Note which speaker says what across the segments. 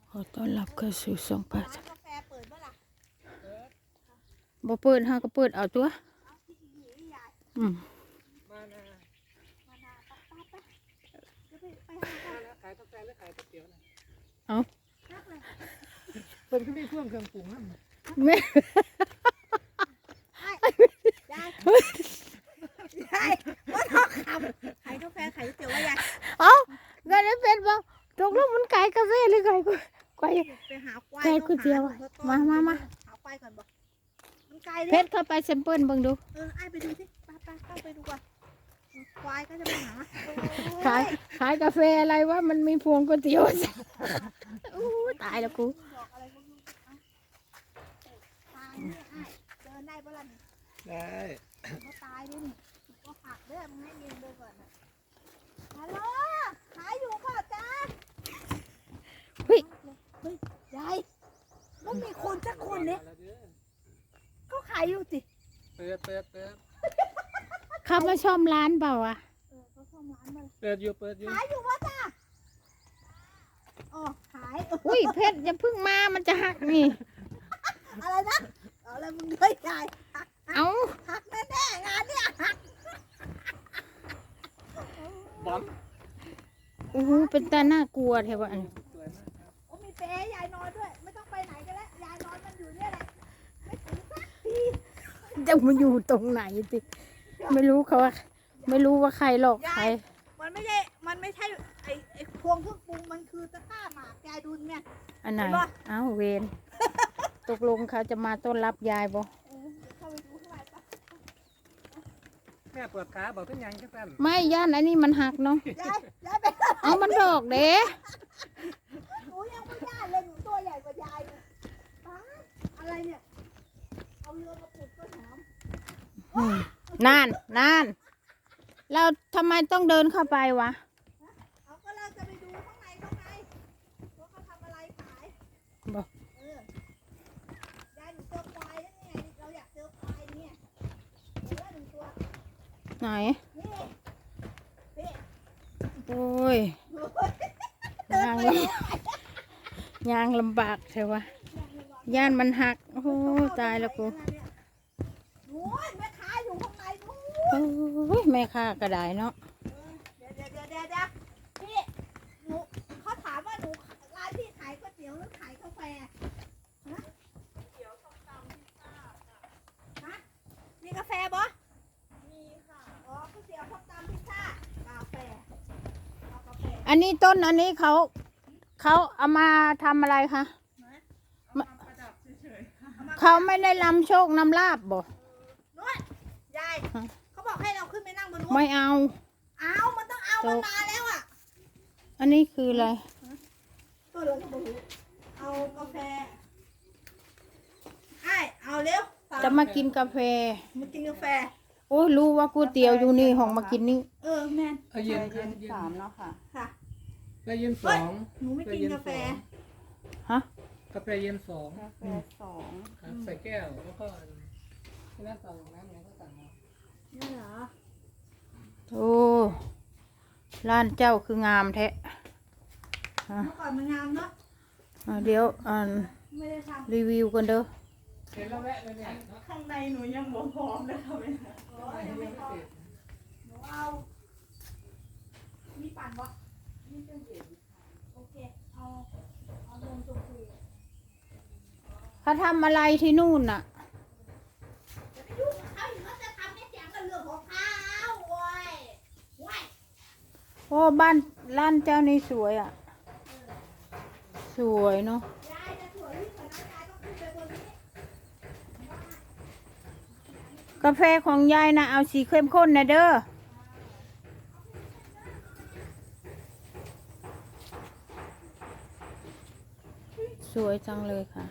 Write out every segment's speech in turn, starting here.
Speaker 1: ขอต้อนรับเข้าสู่ช่องป้า
Speaker 2: ร้านกาแฟเปิดเมื่อไหร่
Speaker 1: บ่เปิดห้าก็เปิดเอาตัว
Speaker 2: เอาที่หีใหญ่
Speaker 1: อืม
Speaker 3: มานา
Speaker 2: มานาไปจะไปหากัน
Speaker 3: ขายกาแฟหรือขายก๋วยเตี๋ยวนะ
Speaker 1: เอา
Speaker 2: นักเลย
Speaker 3: เพิ่นก็มีเครื่องปรุงนั่น
Speaker 1: แม่
Speaker 2: ยายยายว่าทองคำขายกาแฟขายก๋วยเตี๋ยวว่ายาย
Speaker 1: เอาเงินได้เป็นบ่ตกลงมันไก่กาแฟหรือไก่ก๋วย
Speaker 2: ไปหาควาย
Speaker 1: ไก่ก๋วยเตี๋ยวอะมา
Speaker 2: หาควายก่อนบอกมันไกล
Speaker 1: เพ
Speaker 2: เลย
Speaker 1: ชรเข้าไปแซมเปิลเบิ่งดู
Speaker 2: ไอ้ไปดูสิไปเข้าไปดูก่อนควายก็จะไปหา
Speaker 1: ขายกาแฟอะไรวะมันมีพวงก๋วยเตี๋ยวอู้ตายแล้วกู
Speaker 2: บอกอะไรก็ไม่รู้ตายเนี่ยไอ้เดินได้ปะล่ะนี่
Speaker 3: ได้
Speaker 2: ก็ตายด้วยนี่ก็ผักเด้อมึงให้เงินเดินก่อนนะฮัลโหลขายอยู่เปล่าจ๊ะ
Speaker 1: เฮ้ย
Speaker 2: ยายมันมีคนสักคนเนี่ยก็ขายอยู่สิ
Speaker 3: เปิด
Speaker 1: เขามาชมร้านเปล่าวะ
Speaker 2: เขาซ่อมร้านมา
Speaker 3: เปิดอยู่
Speaker 2: ขายอยู่วะจ้ะอ๋อขาย
Speaker 1: อุ้ยเพชรอย่าเพึ่งมามันจะหักนี่
Speaker 2: อะไรนะเอาอะไรมึงด้วยยายหัก
Speaker 1: เอา
Speaker 2: หักแน่ๆงานเนี่ยหัก
Speaker 3: บอม
Speaker 1: โอ้โหเป็นตาน่ากลัวแท้วะอันนี้
Speaker 3: สวยมากครับ
Speaker 2: โอ้มีเปรย์ยายนอนด้วยไม่ต้องไปไหนกันแล้วยายนอนมันอยู่เนี่ยแหละไม่ถึงสักที
Speaker 1: จะมาอยู่ตรงไหนติไม่รู้เขาว่าไม่รู้ว่าใครหลอกใคร
Speaker 2: มันไม่ใช่ไอ้พวงเครื่องปรุงมันคือตะกร้าหมากยายดูเนี่ย
Speaker 1: อันไหน
Speaker 2: เห็นปะ
Speaker 1: เอ้าเวรตกลงเขาจะมาต้อนรับยายบ่
Speaker 2: เดี๋ยวเข้าไปดูข้างในปะ
Speaker 3: แม่ปวดขาบอกทุกอย่างแค่สั้น
Speaker 1: ไม่ย่านอันนี้มันหักเนาะ
Speaker 2: ยายไป
Speaker 1: เอามันดอกเด้
Speaker 2: หนูยังไม่ได้เลยหนูตัวใหญ่กว่ายายเลยป้าอะไรเนี่ยเอาเรือมาปลูกต้นหอม
Speaker 1: อืมนานแล้วทำไมต้องเดินเข้าไปวะ
Speaker 2: เอาก็เราจะไปดูข้างในว่าเขาทำอะไรขาย
Speaker 1: บอก
Speaker 2: ยายหนูเจอควายแล้วเนี่ยเราอยากเจอควายเนี่ยเจอหนึ่งตัว
Speaker 1: ไหน
Speaker 2: นี่นี่
Speaker 1: โอ้ยยางลำยางลำบากใช่วะย่านมันหักโอ้โหตายแล้วกู
Speaker 2: โอ้ยแม่ค้าอยู่ข้างในนู้น
Speaker 1: โอ้ยแม่ค้าก็ได้เนาะ
Speaker 2: เดี๋ยวพี่หนูเขาถามว่าหนูร้านพี่ขายก๋วยเตี๋ยวหรือขายกาแฟฮะเตี๋ยวส้มตำพิซซ่าฮะมีกาแฟบ่มีค่ะอ๋อก๋วยเตี๋ยวส้มตำพิซซ่ากาแฟเอากาแฟ
Speaker 1: อันนี้ต้นอันนี้เขาเอามาทำอะไรคะเขาไม่ได้นำโชคนำลาบบ่
Speaker 2: นวดยายเขาบอกให้เราขึ้นไปนั่งบนนู้น
Speaker 1: ไม่เอา
Speaker 2: เอามันต้องเอามันมาแล้วอ่ะ
Speaker 1: อันนี้คืออะไร
Speaker 2: ตัวเราก็บอกเอากาแฟไอ้เอาเร็ว
Speaker 1: จะมากินกาแฟ
Speaker 2: มากินกาแฟ
Speaker 1: โอ้ยรู้ว่าก๋วยเตี๋ยวอยู่นี่ห้องมากินนี่
Speaker 2: แมน
Speaker 3: เอาเย็นครับเย็น
Speaker 1: 3เนาะค่ะ
Speaker 2: ค่ะ
Speaker 3: กาแฟเย็นสอง
Speaker 2: หนูไม่กินกาแฟ
Speaker 1: ฮะ
Speaker 3: กาแฟเย็นสอง
Speaker 1: กาแฟ2
Speaker 3: ครับใส่แก้วแล้วก็ที่นั่นสั่งน้ำเนี่ยก็สั่งมา
Speaker 2: นี่เหรอ
Speaker 1: โอ้ร้านเจ้าคืองามแท้
Speaker 2: เมื่อก่อนมันงามเนาะ
Speaker 1: เดี๋ยว
Speaker 2: ไม่ได้ท
Speaker 1: รีวิวกันเด้อ
Speaker 3: เห็นแล้วแวะเลยเนี่ยเนาะ
Speaker 2: ำข้างในหนูยังบ่พร้อมเลยค่ะแม่โอ้ยยังไม่พร้อมหนูเอามีปั่นวะมีเครื่องดื่มโอเคเอานมชมพู
Speaker 1: เขาทำอะไรที่นู่นน่ะ
Speaker 2: จะไปยุ่งกับเขาอยู่เขาจะทำให้เสียงกับเรื่องของเขาโว้ยโว้ย
Speaker 1: โอ้บ้านร้านเจ้านี่สวยอ่ะ สวยเนาะ
Speaker 2: ยายจะสวยยิ่งกว่านั้นยายต้องขึ้นไปบนนี้
Speaker 1: กาแฟของยายนะเอาสีเข้มข้นนะเด้อสวยจังเลยค่ะ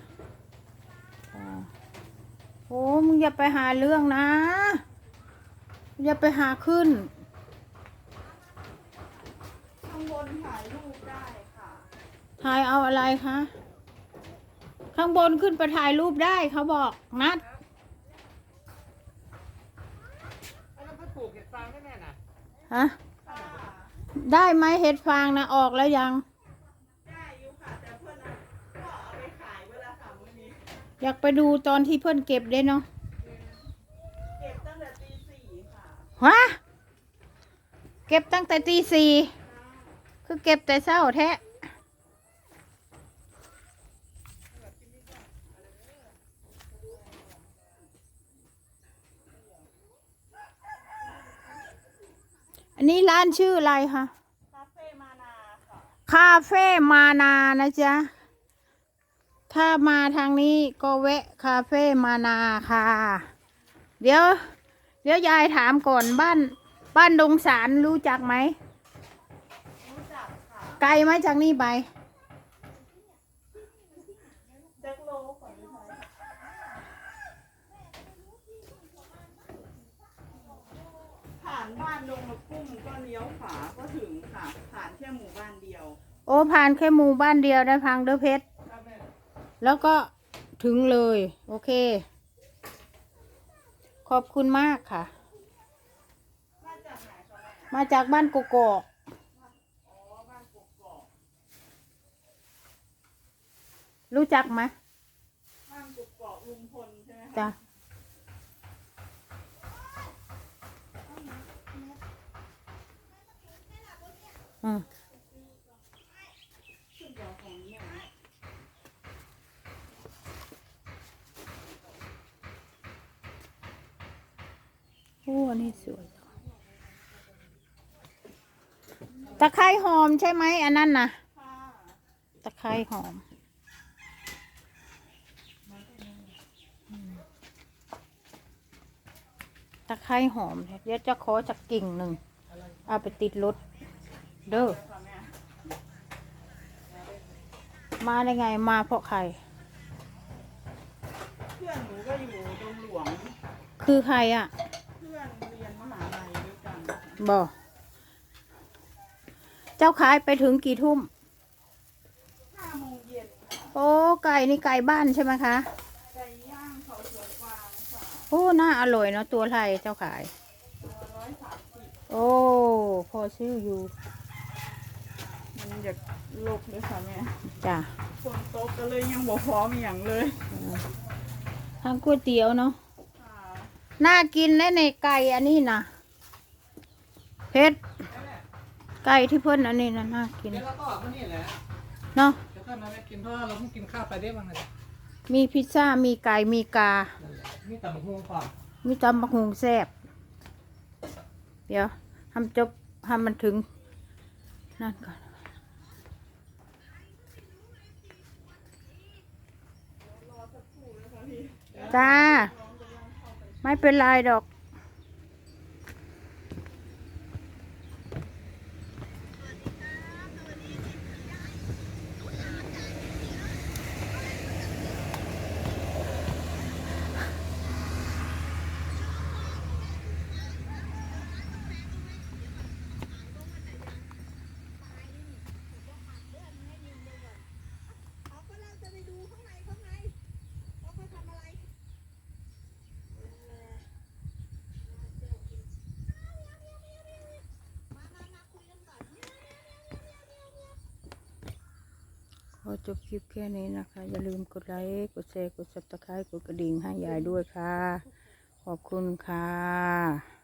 Speaker 1: โอ้มึงอย่าไปหาเรื่องนะ อย่าไปหาขึ้น
Speaker 2: ข้างบนถ่ายรูปได้ค่ะ
Speaker 1: ถ่ายเอาอะไรคะ ข้างบนขึ้นไปถ่ายรูปได้เขาบอกนัด
Speaker 3: แล้วก็ปลูกเห็ดฟางได้แน่น่ะ
Speaker 1: ฮะ ได้ไหมเห็ดฟางนะออกแล้วยัง
Speaker 2: ได้อยู่ค่ะแต่เพื่อน
Speaker 1: อยากไปดูตอนที่เพื่อนเก็บได้เนาะ
Speaker 2: เก็บตั้งแต่ตีสี่ค่ะ
Speaker 1: ฮะเก็บตั้งแต่ตีสี่คือเก็บแต่เช้าแท้อันนี้ร้านชื่ออะไรคะ
Speaker 2: คาเฟ่มานาค่ะ
Speaker 1: คาเฟ่มานานะจ๊ะ ถ้ามาทางนี้ก็แวะคาเฟ่มานาค่ะ เดี๋ยว ยายถามก่อนบ้านดงสารรู้จักไหม
Speaker 2: รู้จักค่ะ
Speaker 1: ไกลไหมจากนี่ไป
Speaker 2: แจ็คโลก่อนเลยผ่านบ้านดงมะกุ้งก็เลี้ยวขวาก็ถึงค่ะ ผ่านแค่หมู่บ้านเดียว
Speaker 1: โอ้ผ่านแค่หมู่บ้านเดียวได้พังเด้อเพชร แล้วก็ถึงเลย โอเค ขอบคุณมากค่ะ
Speaker 2: มาจากไหนคะแม่
Speaker 1: มาจากบ้านกกอก
Speaker 2: อ๋อ บ้านกกอก
Speaker 1: รู้จักไหม
Speaker 2: บ้านกกอกลุงพลใช่ไหมคะ
Speaker 1: จ้ะอืม
Speaker 2: ขึ้นเดี๋ยวของเนี่ย
Speaker 1: โอ้อันนี้สวยจังตะไคร้หอมใช่ไหมอันนั้นนะ
Speaker 2: ค่ะ
Speaker 1: ตะไคร้หอมตะไคร้หอมเดี๋ยวจะขอจากกิ่งหนึ่งเอาไปติดรถเด้อ
Speaker 2: ค่ะแม่
Speaker 1: มาได้ไงมาเพราะใคร
Speaker 2: เพื่อนหนูก็อยู่ดงหลวง
Speaker 1: คือใครอ่ะ
Speaker 2: เพื่อนเรียนมหาลัยด้วยกัน
Speaker 1: บอกเจ้าขายไปถึงกี่ทุ่ม
Speaker 2: 5 โมงเย็นค่ะ
Speaker 1: โอ้ไก่นี่ไก่บ้านใช่ไหมคะ
Speaker 2: ไก่ย่างเขาสวนกวางค่ะ
Speaker 1: โอ้น่าอร่อยเนาะตัวไทยเจ้าขาย
Speaker 2: ตัว130
Speaker 1: โอ้พอซื้ออยู่
Speaker 2: มันอยากลกเลยค่ะแม่
Speaker 1: จ้ะ
Speaker 2: ฝนตกก็เลยยังบ่พร้อมอหย่างเลย
Speaker 1: ทางก๋วยเตี๋ยวเนาะ
Speaker 2: ค่ะ
Speaker 1: น่ากินแน่ในไก่อันนี้นะเพชรไก่ที่เพิ่นอันนี้นะน่ากิน
Speaker 3: เดี๋ยวเราก็ออกมานี่แหละ
Speaker 1: เนาะ
Speaker 3: เดี๋ยวก็มาแวะกินเพราะว่าเราเพิ่งกินข้าวไปได้บ้างเลย
Speaker 1: มีพิซซ่ามีไก่มีกา
Speaker 3: นั่นแหละมีแต่บักฮวงก่อน
Speaker 1: มีตำบักหุงแซ่บเดี๋ยวทำจบทำมันถึงนั่นก่อนจ้า ไม่เป็นไรดอกขอจบคลิปแค่นี้นะคะ อย่าลืมกดไลค์ กดแชร์ กด Subscribe กดกระดิ่งให้ยายด้วยค่ะ ขอบคุณค่ะ